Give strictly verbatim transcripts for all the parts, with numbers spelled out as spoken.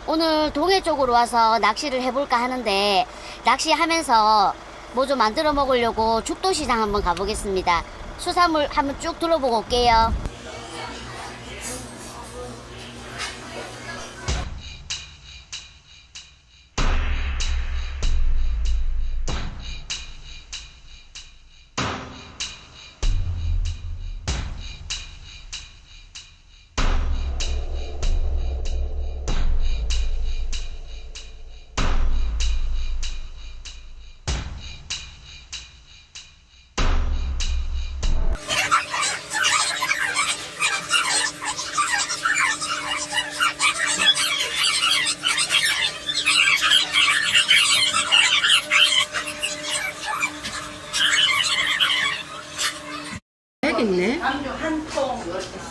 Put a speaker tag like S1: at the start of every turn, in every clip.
S1: 오늘 동해 쪽으로 와서 낚시를 해볼까 하는데 낚시하면서 뭐 좀 만들어 먹으려고 죽도시장 한번 가보겠습니다. 수산물 한번 쭉 둘러보고 올게요.
S2: 있네.
S3: 한통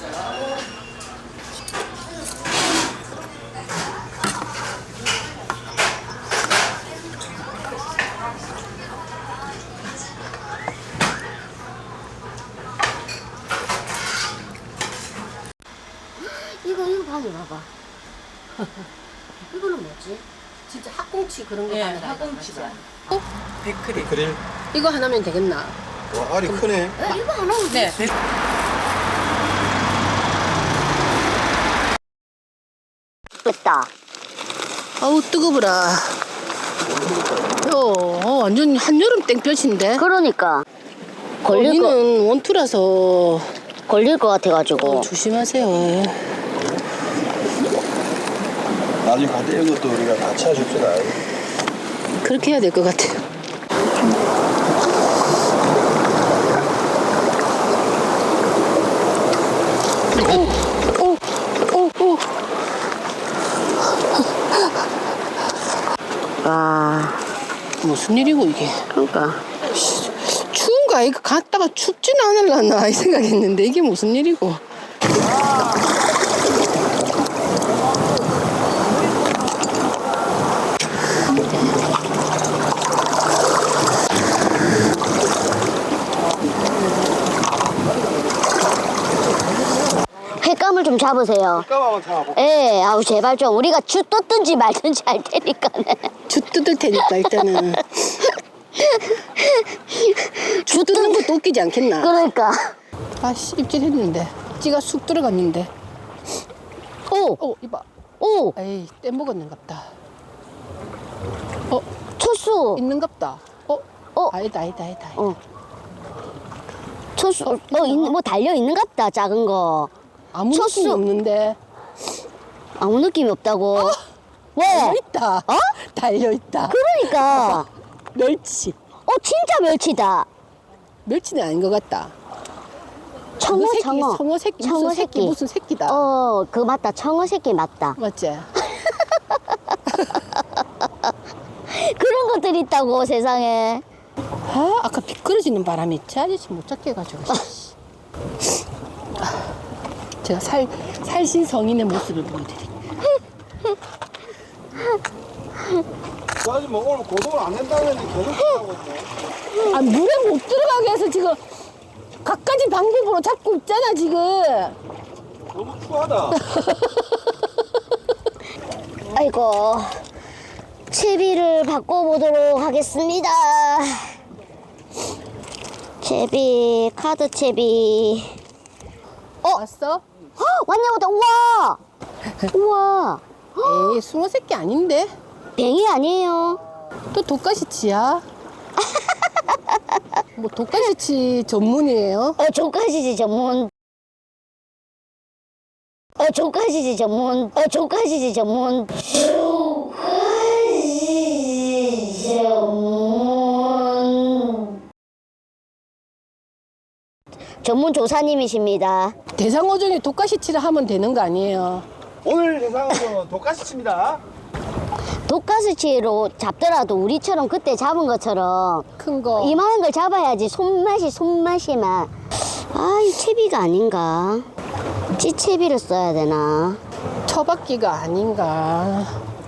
S1: 이거 이거 방에 봐봐. 이거는 뭐지?
S2: 진짜 학꽁치 그런 거
S3: 예,
S2: 하는
S3: 학꽁치가.
S2: 어?
S3: 백크림.
S4: 그릴?
S2: 이거 하나면 되겠나?
S4: 와, 알이 크네.
S1: 에, 이거 안 하면
S3: 네,
S1: 되지.
S3: 백.
S1: 됐다.
S2: 아우 뜨거워라. 어, 어, 완전 한여름 땡볕인데.
S1: 그러니까 걸릴 거
S2: 여기는 원투라서
S1: 걸릴 것 같아가지고.
S2: 어, 조심하세요.
S4: 나중에 갈 때 이것도 우리가 같이 해줍시다.
S2: 그렇게 해야 될 것 같아요. 오, 오, 오, 오.
S1: 와,
S2: 무슨 일이고 이게?
S1: 그러니까
S2: 추운가? 이거 갔다가 춥지는 않을라나 이 생각했는데 이게 무슨 일이고?
S1: 횟감을 좀 잡으세요.
S4: 감 한번 잡아볼까?
S1: 예, 아우 제발 좀 우리가 주 떴든지 말든지 할 테니까네.
S2: 주 뜯을 테니까 일단은 주 뜯는 것도 웃기지 않겠나?
S1: 그러니까.
S2: 아씨 입질했는데 찌가 쑥 들어갔는데.
S1: 오,
S2: 어 이봐.
S1: 오,
S2: 에이 떼먹었는갑다. 어
S1: 초수.
S2: 있는갑다. 어?
S1: 어.
S2: 아니다 아니다 아니다. 아니다.
S1: 어. 초수. 어, 있, 뭐 달려 있는갑다 작은 거.
S2: 아무
S1: 쳤어.
S2: 느낌이 없는데.
S1: 아무 느낌이 없다고. 왜?
S2: 달려있다.
S1: 어?
S2: 달려있다.
S1: 그러니까.
S2: 멸치.
S1: 어, 진짜 멸치다.
S2: 멸치는 아닌 것 같다.
S1: 청어,
S2: 새끼,
S1: 청어.
S2: 청어 새끼.
S1: 청어
S2: 무슨 새끼.
S1: 새끼.
S2: 무슨 새끼다.
S1: 어, 그 맞다. 청어 새끼 맞다.
S2: 맞지?
S1: 그런 것들이 있다고 세상에.
S2: 아 아까 미끄러지는 바람에 제 아저씨 못 찾게 해가지고. 씨. 아, 제가 살, 살신 성인의 모습을 보여드릴게요.
S4: 아직 뭐 오늘 고동을 안 낸다는데 계속 하고 있네.
S2: 아 물에 못 들어가게 해서 지금 갖가지 방법으로 잡고 있잖아 지금.
S4: 너무 추하다.
S1: 아이고. 채비를 바꿔보도록 하겠습니다. 채비, 카드 채비.
S2: 어? 왔어?
S1: 어, 왔네, 왔다. 우와! 우와!
S2: 에이 숭어 새끼 아닌데?
S1: 뱅이 아니에요.
S2: 또 독가시치야? 뭐 독가시치 전문이에요?
S1: 어, 조카시지 전문. 어, 조카시지 전문. 어, 조카시지 전문. 조카시지 전문. 전문 조사님이십니다.
S2: 대상어 중에 독가시치를 하면 되는 거 아니에요?
S4: 오늘 대상은 독가시 칩니다.
S1: 독가스치로 잡더라도 우리처럼 그때 잡은 것처럼
S2: 큰 거.
S1: 이만한 걸 잡아야지 손맛이 손맛이 막. 아, 이 채비가 아닌가? 찌채비를 써야 되나?
S2: 처박기가 아닌가.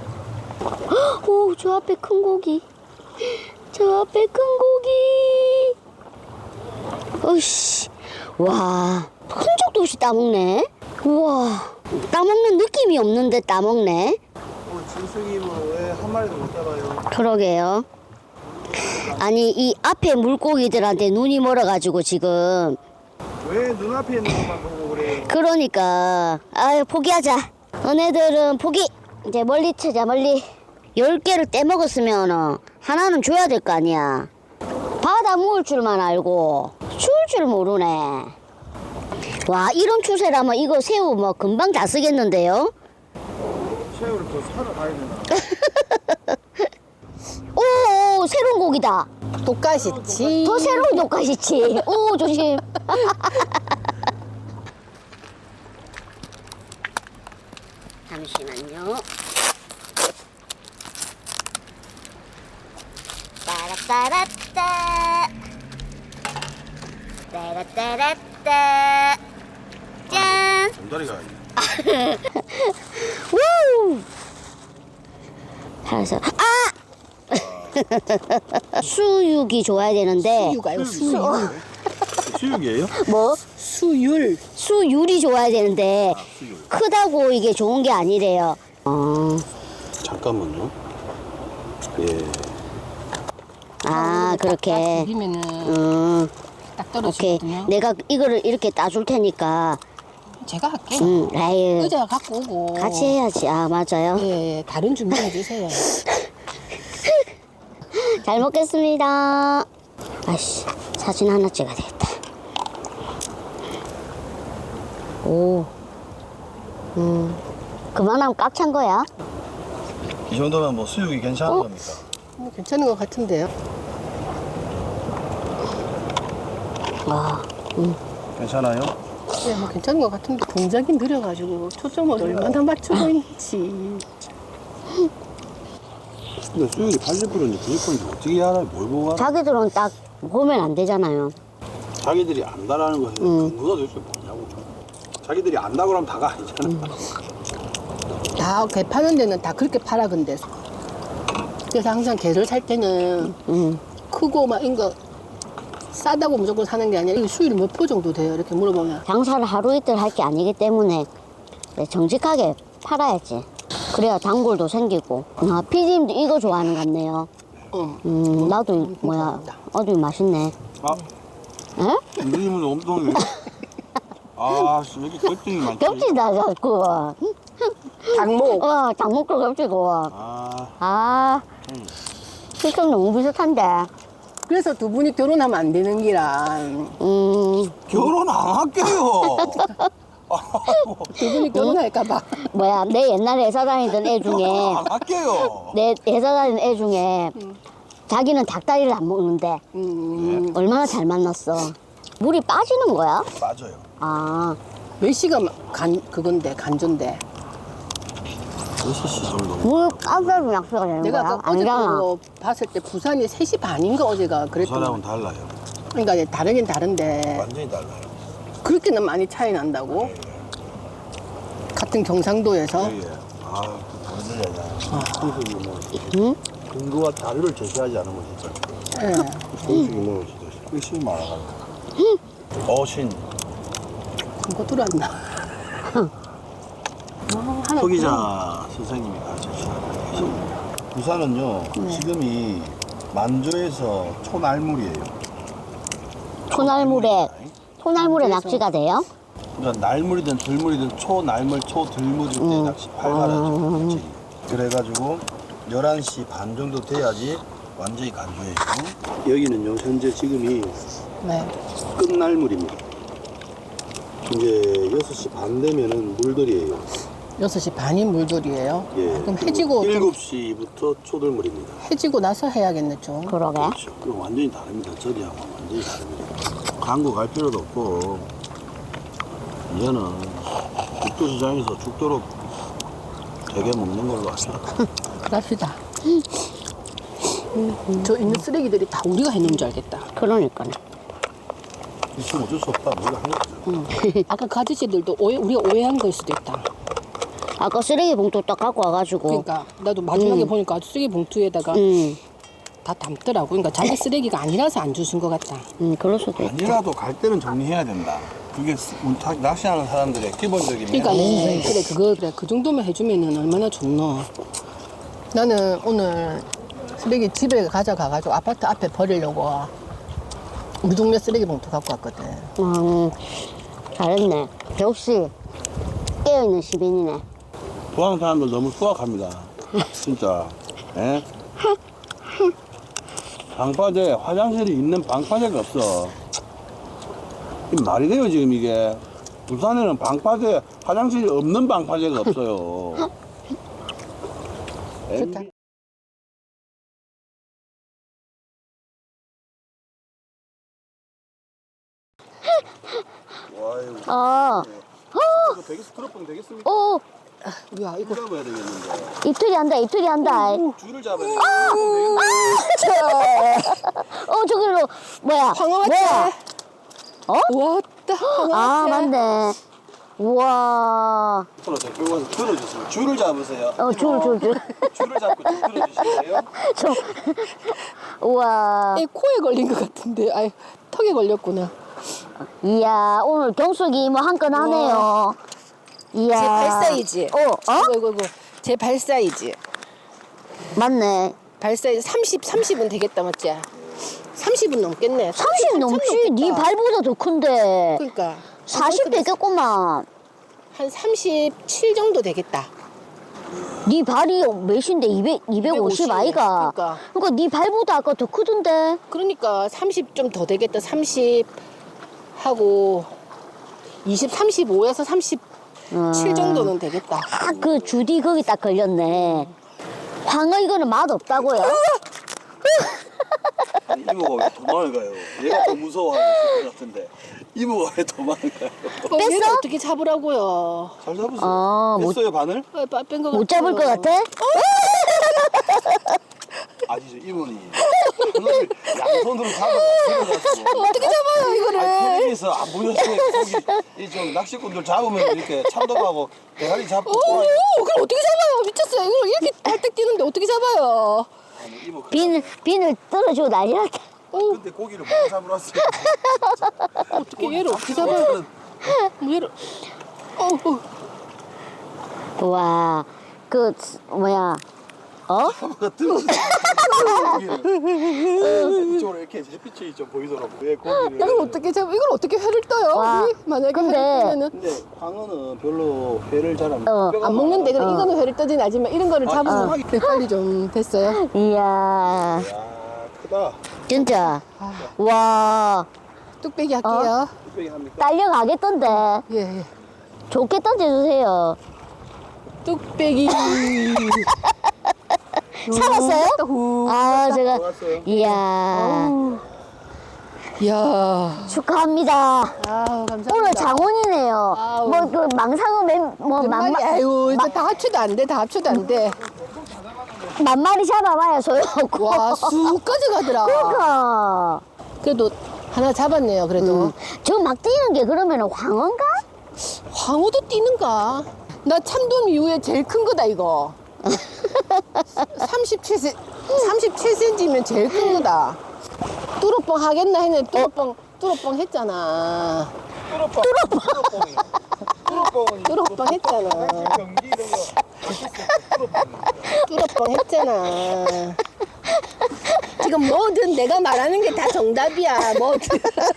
S1: 오, 저 앞에 큰 고기. 저 앞에 큰 고기. 어이씨. 와, 흔적도 없이 따먹네. 우와, 따먹는 느낌이 없는데 따먹네.
S4: 오늘 진숙이는 왜 한 마리도 못 잡아요?
S1: 그러게요. 아니 이 앞에 물고기들한테 눈이 멀어가지고 지금
S4: 왜 눈앞에 있는 것만 보고 그래요?
S1: 그러니까 아유 포기하자. 너네들은 포기. 이제 멀리 치자 멀리. 열 개를 떼먹었으면 하나는 줘야 될 거 아니야. 바다 무을 줄만 알고 추울 줄 모르네. 와 이런 추세라면 이거 새우 뭐 금방 다 쓰겠는데요?
S4: 새우를 더 사러 가야 되나?
S1: 오 새로운 고기다.
S2: 똑같이지.
S1: 더 새로운 독가시치. 오 조심. 잠시만요. 따라따라따. 따라따라따. 짠.
S4: 전다리가
S1: 우. 잘했어. 아. 수육이 좋아야 되는데.
S2: 수유가요, 수유.
S4: 수육이에요?
S1: 뭐?
S2: 수율.
S1: 수율이 좋아야 되는데
S4: 수육.
S1: 크다고 이게 좋은 게 아니래요. 어.
S4: 잠깐만요. 예.
S1: 아 그렇게.
S2: 비면은
S1: 음.
S2: 딱
S1: 오케이.
S2: 떨어지거든요.
S1: 내가 이거를 이렇게 따줄 테니까.
S2: 제가 할게요.
S1: 음. 라이.
S2: 의자 갖고 오고.
S1: 같이 해야지. 아 맞아요.
S2: 예, 예, 다른 준비해 주세요.
S1: 잘 먹겠습니다. 아씨 사진 하나 찍어야 되겠다. 오. 음. 그만하면 꽉 찬 거야.
S4: 이 정도면 뭐 수육이 괜찮은
S1: 어?
S4: 겁니까?
S2: 뭐 괜찮은 것 같은데요.
S1: 와. 음.
S4: 괜찮아요?
S2: 네, 뭐 괜찮은 것 같은데 동작이 느려가지고 초점을 얼마나 맞추고 있는지.
S4: 근데 수육이 팔십 퍼센트인지 구십 퍼센트인지 어떻게 알아요? 뭘 보고 알아요?
S1: 자기들은 딱 보면 안 되잖아요.
S4: 자기들이 안다라는 것에
S1: 음.
S4: 근거가 도대체 뭐냐고. 자기들이 안다고 하면 다가 아니잖아.
S1: 음.
S2: 다 개 파는 데는 다 그렇게 팔아 근데. 그래서 항상 개를 살 때는
S1: 음.
S2: 크고 막 이런 거 싸다고 무조건 사는 게 아니라 이 수율이 몇 표 정도 돼요? 이렇게 물어보면.
S1: 장사를 하루 이틀 할 게 아니기 때문에 정직하게 팔아야지. 그래야 단골도 생기고. 아, 피디님도 이거 좋아하는 것 같네요.
S2: 어.
S1: 음, 나도 이- 뭐야.
S2: 좋아합니다.
S1: 어디 맛있네.
S4: 아,
S1: 에?
S4: 누님은 엄청. 아, 씨, 여기 겹증이 많지.
S1: 겹치다 자꾸.
S2: 닭목.
S1: 와, 닭목도 겹치고.
S4: 아,
S1: 아,
S4: 음.
S1: 실적 너무 비슷한데.
S2: 그래서 두 분이 결혼하면 안 되는 기라.
S1: 음,
S4: 결혼 안 할게요.
S2: 두 분이 결혼할까봐.
S1: 뭐야, 내 옛날에 회사 다니던 애 중에,
S4: 결혼 안 할게요.
S1: 내 회사 다니던 애 중에, 자기는 닭다리를 안 먹는데,
S2: 음,
S1: 얼마나 잘 만났어. 물이 빠지는 거야?
S4: 맞아요.
S1: 아,
S2: 몇 시가 간, 그건데, 간조인데.
S4: 여섯 시 정도.
S1: 물 빠져도 약수가 되는
S2: 내가
S1: 거야?
S2: 아까 어제
S1: 아니잖아.
S2: 그거 봤을 때 부산이 세 시 반인가 어제가
S4: 그
S2: 그랬던
S4: 사람은
S2: 거.
S4: 달라요.
S2: 그러니까 이제 다르긴 다른데
S4: 완전히 달라요.
S2: 그렇게는 많이 차이 난다고? 같은 경상도에서?
S4: 예, 예. 아, 보여드려야 진숙이 뭐.
S1: 응?
S4: 근거와 자료를 제시하지 않으면 진짜.
S2: 예.
S4: 진숙이 뭐, 진짜 의심이 많아가지고. 어신.
S2: 그거 들어왔나? 어, 하나
S4: 소기자 선생님이 가르쳐주신 부산은요, 지금이 만조에서 초날물이에요.
S1: 초날물에, 초날물에
S2: 그래서-
S1: 낚시가 돼요?
S4: 그러니까 날물이든 들물이든 초날물, 초들물일 때 낚시 활발하죠. 그렇지. 그래가지고 열한 시 반 정도 돼야지 완전히 간조해요. 여기는요, 현재 지금이
S2: 네.
S4: 끝날물입니다. 이제 여섯 시 반 되면은 물들이에요.
S2: 여섯 시 반인 물돌이에요?
S4: 예.
S2: 그럼 해지고, 좀
S4: 일곱 시부터 초들물입니다.
S2: 해지고 나서 해야겠네, 좀.
S1: 그러게.
S4: 그렇죠. 그럼 완전히 다릅니다. 저리하고 완전히 다릅니다. 광고 갈 필요도 없고, 이제는 죽도시장에서 죽도록 되게 먹는 걸로 합시다.
S2: 그럽시다. 저 있는 쓰레기들이 다 우리가 해놓은 줄 알겠다.
S1: 그러니까.
S4: 있으면 어쩔 수 없다. 우리가 한 거죠.
S2: 아까 그 아저씨들도 오해, 우리가 오해한 걸 수도 있다.
S1: 아까 쓰레기 봉투 딱 갖고 와가지고.
S2: 그러니까 나도 마지막에
S1: 음.
S2: 보니까 쓰레기 봉투에다가
S1: 음,
S2: 다 담더라고. 그러니까 자기 쓰레기가 아니라서 안 주신 것 같다.
S1: 음, 그럴 수도 있다.
S4: 아니라도 갈 때는 정리해야 된다. 그게 스- 타- 낚시하는 사람들의 기본적인
S2: 그러니까
S4: 매너죠.
S2: 네, 그래 그거 그래 그 정도만 해주면은 얼마나 좋노. 나는 오늘 쓰레기 집에 가져가가지고 아파트 앞에 버리려고 우리 동네 쓰레기 봉투 갖고 왔거든.
S1: 음, 잘했네. 역시 깨어있는 시민이네.
S4: 부항 사람들 너무 수확합니다. 진짜. 예? 방파제 화장실이 있는 방파제가 없어. 이 말이 돼요 지금 이게. 부산에는 방파제 화장실이 없는 방파제가 없어요.
S2: 좋다.
S4: 와유.
S1: 어,
S4: 이거 되겠, 트럭봉 되겠습니까?
S1: 오,
S2: 야 이거
S4: 잡아야 되겠는데.
S1: 이틀이 한다, 이틀이 한다.
S4: 줄을 잡아야 되겠는데.
S1: 어, 저기로, 뭐야?
S2: 광어 맞지?
S1: 뭐야? 어?
S2: 왔다 광어
S1: 아,
S2: 맞지?
S1: 맞네. 우와.
S4: 손으로 저 끌고 와서 들어주세요. 줄을 잡으세요.
S1: 어, 줄, 줄, 줄.
S4: 줄을 잡고 좀 들어주실래요?
S1: 저, 우와.
S2: 이 코에 걸린 것 같은데 아이 턱에 걸렸구나.
S1: 이야, 오늘 경숙이 뭐 한 건 하네요. 이야.
S2: 제 발 사이즈.
S1: 어, 어?
S2: 이거 이거 이거 제 발 사이즈.
S1: 맞네.
S2: 발 사이즈 삼십 삼십은 되겠다 맞지? 삼십은 넘겠네.
S1: 삼십 넘지? 네
S2: 넘겠다.
S1: 발보다 더 큰데.
S2: 그러니까
S1: 사십 되겠구만.
S2: 한 삼십칠 정도 되겠다.
S1: 네 발이 몇인데? 이백, 이백오십 아이가?
S2: 그러니까.
S1: 그러니까 네 발보다 아까 더 크던데.
S2: 그러니까 삼십 좀 더 되겠다. 삼십 하고 이십, 삼십오에서 삼십칠
S1: 음.
S2: 정도는 되겠다.
S1: 딱 그 주디 거기 딱 걸렸네. 광어 이거는 맛 없다고요?
S4: 아니, 이모가 왜 도망을 가요? 얘가 더 무서워하는 것 같은데. 이모가 왜 도망을 가요?
S2: 어, 얘를
S1: 뺐어?
S2: 어떻게 잡으라고요?
S4: 잘 잡으세요.
S1: 어, 못-
S4: 뺐어요 바늘?
S2: 뺀거
S1: 못 잡을 것 같아?
S4: 아니죠 이모니. 그걸 양손으로 잡아서 들어가지고.
S2: 어떻게 잡아요 이거를?
S4: 아니 텔레비에서 안 보셨어요? 거기 이좀 낚시꾼들 잡으면 이렇게 참돔하고 대가리 잡고.
S2: 오, 그걸 어떻게 잡아요? 미쳤어요. 이걸 이렇게 발딱 뛰는데 어떻게 잡아요?
S4: 아니, 이모 그-
S1: 비늘, 비늘 떨어지고 난리 났다.
S4: 근데 고기를 못 잡으러 왔어요.
S2: 어떻게 얘를 어떻게 잡아요? 뭐 얘를 어, 어.
S1: 우와, 그, 뭐야, 어?
S4: 이쪽으로 이렇게 햇빛이 좀 보이더라고. 왜 고기를?
S2: 이걸 어떻게 잡아? 이걸 어떻게 회를 떠요?
S1: 와,
S2: 우리 만약에
S1: 근데-
S2: 회를 뜨면은
S4: 근데 광어는 별로 회를 잘 안.
S1: 어,
S4: 뼈가
S2: 안 먹는데 그래
S1: 어.
S2: 이거는 회를 뜨진 않지만 이런 거를
S4: 아,
S2: 잡으면
S4: 아.
S2: 네, 빨리 좀 됐어요.
S1: 이야,
S4: 많아. 야 크다.
S1: 진짜.
S2: 아,
S1: 와,
S2: 뚝배기 할게요.
S4: 뚝배기 합니까?
S1: 딸려가겠던데.
S2: 예, 예.
S1: 좋게 던져주세요.
S2: 뚝배기.
S1: 살았어요?
S2: 후.
S1: 아, 제가,
S4: 좋았어요.
S1: 이야,
S2: 이야.
S1: 축하합니다.
S2: 아우 감사합니다.
S1: 오늘 장원이네요.
S2: 아우.
S1: 뭐, 그, 망상어 맨, 뭐,
S2: 몇
S1: 만,
S2: 마리? 아유, 이거 다 합쳐도 안 돼, 다 합쳐도 안 돼.
S1: 만 마리 잡아봐야 소용없고.
S2: 와, 수까지 가더라.
S1: 그러니까.
S2: 그래도 하나 잡았네요, 그래도.
S1: 음. 저 막 뛰는 게 그러면 황어인가?
S2: 광어도 뛰는가? 나 참돔 이후에 제일 큰 거다, 이거. 삼십칠 센, 삼십칠 센티미터면 제일 큰 거다. 뚜루뻥 하겠나 했는데 뚜루뻥, 뚜루뻥 했잖아.
S4: 뚜러뻥. 뚜러뻥이. 뚜러뻥은
S2: 뚜루뻥 했잖아.
S4: 경기 이런 거.
S2: 뚜루뻥 했잖아. 지금 뭐든 내가 말하는 게 다 정답이야, 뭐든.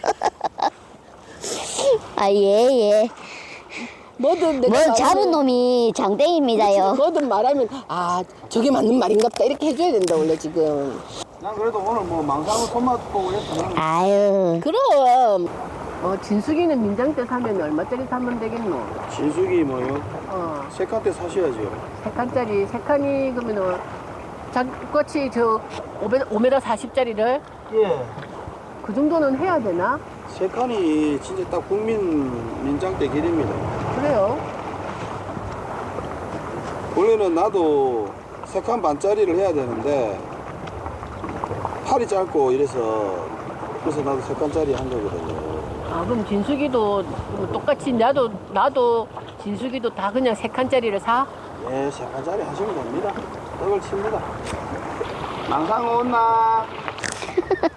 S1: 아, 예, 예.
S2: 뭐든 내가
S1: 뭘
S2: 말하면-
S1: 잡은 놈이 장땡입니다요.
S2: 뭐든 말하면 아 저게 맞는 말인갑다 이렇게 해줘야 된다 원래 지금.
S4: 난 그래도 오늘 뭐 망상어 손맛 보고 했어.
S1: 아유,
S2: 그럼 어 진숙이는 민장 때 사면 얼마짜리 사면 되겠노?
S4: 진숙이 뭐요?
S2: 어
S4: 세 칸대 사셔야죠.
S2: 세 칸짜리 세 칸이 그러면은 장꼬치 저 오 미터 사십짜리를
S4: 예.
S2: 그 정도는 해야 되나?
S4: 세 칸이 진짜 딱 국민 민장대 길입니다.
S2: 그래요?
S4: 원래는 나도 세 칸 반짜리를 해야 되는데 팔이 짧고 이래서 그래서 나도 세 칸짜리 한 거거든요.
S2: 아 그럼 진숙이도 뭐 똑같이 나도 나도 진숙이도 다 그냥 세 칸짜리를 사?
S4: 예, 세 칸짜리 하시면 됩니다. 떡을 칩니다. 망상어 온나?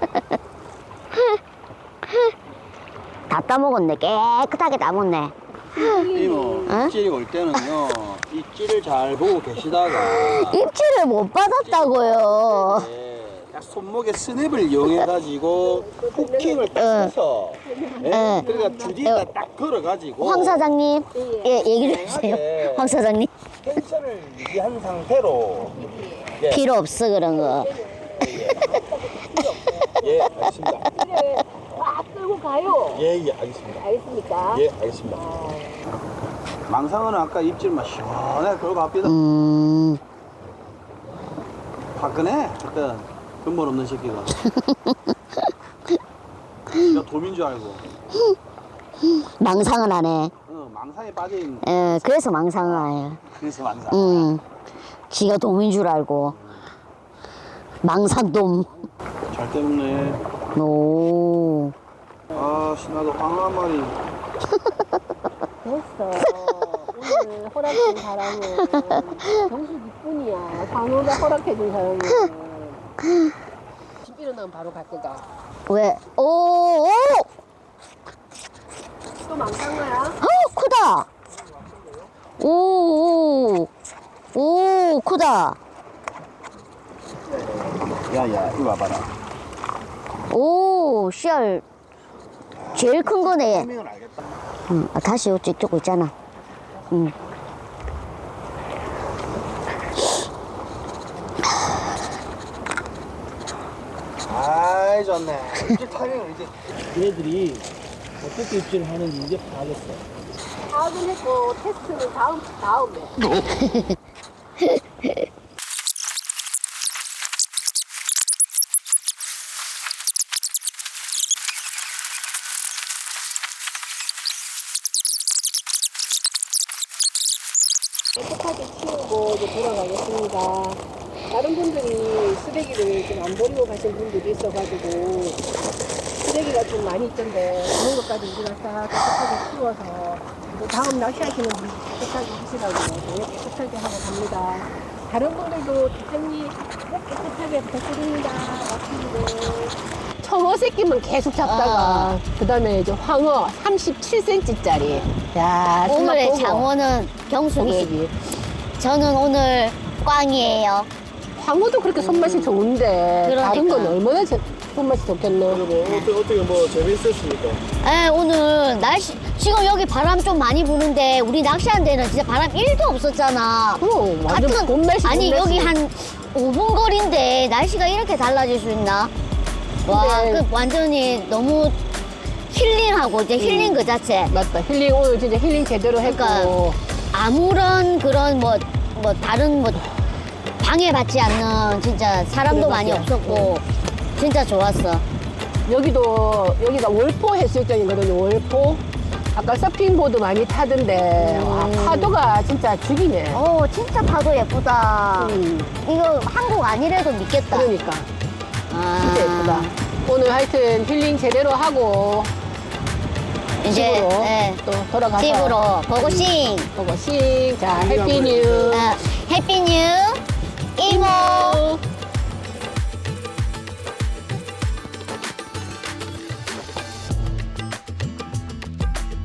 S1: 다 따먹었네. 깨끗하게 따먹네.
S4: 이모
S1: 어?
S4: 입질이 올 때는요 입질을 잘 보고 계시다가
S1: 입질을 못 받았다고요.
S4: 예, 딱 손목에 스냅을 이용해 가지고 후킹을 딱
S1: 응.
S4: 해서 예,
S1: 응.
S4: 그러니까 주디에다 딱 걸어 가지고
S1: 황 사장님, 예, 얘기를 해주세요.
S4: 네.
S1: 황 사장님,
S4: 텐션을 유지한 상태로 예,
S1: 필요 없어 그런 거.
S4: 예 알겠습니다.
S2: 막 끌고 가요.
S4: 예, 예, 알겠습니다.
S2: 알겠습니까?
S4: 예, 알겠습니다. 망상어는 아까 입질만 시원하게 걸고 갑니다.
S1: 음,
S4: 화끈해, 그때 근본 없는 새끼가. 나 도민 줄 알고.
S1: 망상은 안 해.
S4: 어, 망상에 빠져있는.
S1: 예, 그래서 망상을 안 해요.
S4: 그래서 망상.
S1: 음, 지가 돔인 줄 알고. 망상돔.
S4: 잘 때문에.
S1: 오.
S4: 아, 신나도 황 한 마리.
S2: 됐어. 오늘 허락된 사람은 정식 이뿐이야. 광호가 허락해준 사람은. 집 일어나면 바로 갈 거다.
S1: 왜? 오, 오!
S2: 또 망상가야?
S1: 어, 크다! 오, 오, 오, 크다!
S4: 야, 야, 이리 와봐라.
S1: 오, 씨알. 제일 큰 거네.
S4: 타이밍을 알겠다.
S1: 응, 아, 다시 요쪽 찍고 있잖아. 응.
S4: 아이, 좋네. 입질 타이밍을 이제. 얘네들이 어떻게 입질을 하는지 이제 봐야겠어.
S2: 파악은 했고 테스트는 다음 다음에. 깨끗하게 치우고 이제 돌아가겠습니다. 다른 분들이 쓰레기를 좀 안 버리고 가신 분들이 있어가지고 쓰레기가 좀 많이 있던데 그런 것까지 우리가 싹 깨끗하게 치워서 또 다음 낚시하시는 분 깨끗하게 하시라고 네, 깨끗하게 하고 갑니다. 다른 분들도 뒷정리 꼭 깨끗하게 부탁드립니다. 낚시를. 청어 새끼만 계속 잡다가
S1: 아.
S2: 그 다음에 이제 황어 삼십칠 센티미터짜리. 야,
S1: 오늘의 장어는 경숙이.
S2: 정수기.
S1: 저는 오늘 꽝이에요.
S2: 황어도 그렇게 손맛이 좋은데
S1: 그러니까.
S2: 다른 건 얼마나 제- 손맛이 좋겠노.
S4: 뭐, 어떻게, 어떻게 뭐 재밌었습니까?
S1: 에, 오늘 날씨, 지금 여기 바람 좀 많이 부는데, 우리 낚시한 데는 진짜 바람 일도 없었잖아.
S2: 어, 완전 봄날씨,
S1: 아니,
S2: 봄날씨.
S1: 여기 한 오 분 거리인데, 날씨가 이렇게 달라질 수 있나? 와,
S2: 근데-
S1: 그 완전히 너무 힐링하고, 이제 힐링 그 자체.
S2: 맞다. 힐링 오늘 진짜 힐링 제대로 했고.
S1: 그러니까 아무런 그런 뭐, 뭐, 다른 뭐, 방해받지 않는 진짜 사람도
S2: 그래,
S1: 많이
S2: 맞아요.
S1: 없었고, 진짜 좋았어.
S2: 여기도 여기가 월포 해수욕장이거든요. 월포. 아까 서핑보드 많이 타던데 와,
S1: 음.
S2: 파도가 진짜 죽이네.
S1: 오, 진짜 파도 예쁘다.
S2: 음,
S1: 이거 한국 아니래도 믿겠다.
S2: 그러니까
S1: 아,
S2: 진짜 예쁘다. 오늘 하여튼 힐링 제대로 하고
S1: 이제
S2: 집으로
S1: 네,
S2: 또 돌아가서
S1: 집으로 고고싱.
S2: 고고싱. 자, 해피 뉴.
S1: 아, 해피 뉴.